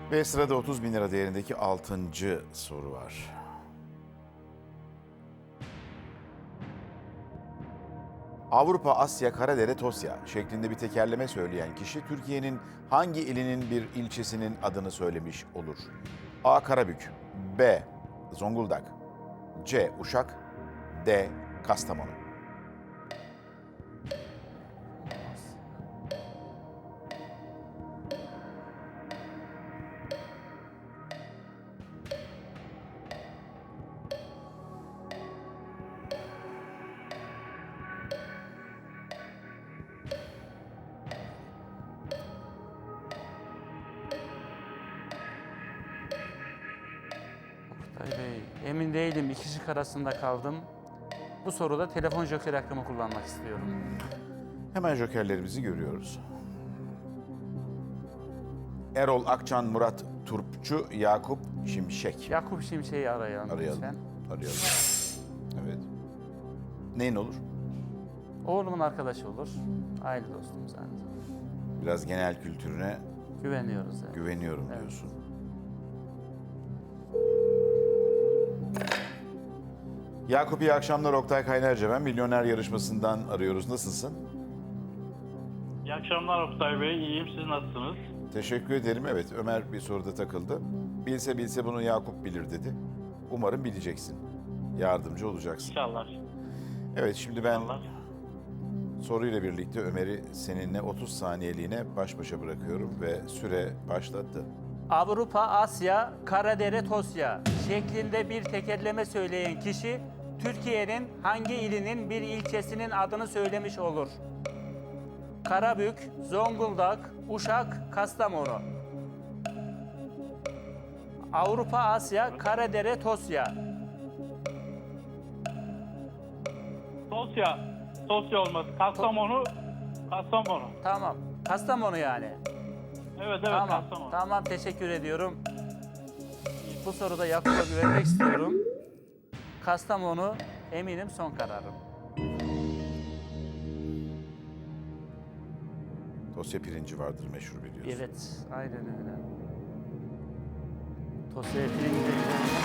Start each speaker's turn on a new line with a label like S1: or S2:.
S1: Ve sırada 30 bin lira değerindeki 6. soru var. Avrupa, Asya, Karadere, Tosya şeklinde bir tekerleme söyleyen kişi Türkiye'nin hangi ilinin bir ilçesinin adını söylemiş olur? A. Karabük, B. Zonguldak, C. Uşak, D. Kastamonu.
S2: Oktay Bey, emin değilim. İki şık arasında kaldım. Bu soruda telefon joker hakkımı kullanmak istiyorum.
S1: Hemen jokerlerimizi görüyoruz. Erol Akçan, Murat Turpçu, Yakup Şimşek.
S2: Yakup Şimşek'i arayalım lütfen.
S1: Arayalım. Evet. Neyin olur?
S2: Oğlumun arkadaşı olur. Aile dostumuz aynı zamanda.
S1: Biraz genel kültürüne
S2: Güveniyoruz. Evet.
S1: güveniyorum
S2: Evet.
S1: diyorsun. Yakup, iyi akşamlar. Oktay Kaynarca ben. Milyoner yarışmasından arıyoruz. Nasılsın?
S3: İyi akşamlar Oktay Bey. İyiyim. Siz nasılsınız?
S1: Teşekkür ederim. Evet, Ömer bir soruda takıldı. Bilse bilse bunu Yakup bilir dedi. Umarım bileceksin. Yardımcı olacaksın.
S3: İnşallah.
S1: Evet, şimdi ben
S3: İnşallah.
S1: soruyla birlikte Ömer'i seninle 30 saniyeliğine baş başa bırakıyorum ve süre başladı.
S2: Avrupa, Asya, Karadere, Tosya şeklinde bir tekerleme söyleyen kişi Türkiye'nin hangi ilinin bir ilçesinin adını söylemiş olur? Karabük, Zonguldak, Uşak, Kastamonu. Avrupa, Asya, Karadere, Tosya.
S3: Tosya. Tosya olması. Kastamonu. Kastamonu.
S2: Tamam. Kastamonu yani.
S3: Evet
S2: Tamam.
S3: Kastamonu.
S2: Tamam, teşekkür ediyorum. Bu soruda Yakup'a güvenmek istiyorum. Kastamonu eminim son kararım.
S1: Tosya pirinci vardır meşhur biliyorsun.
S2: Evet, aynen öyle. Tosya pirinci.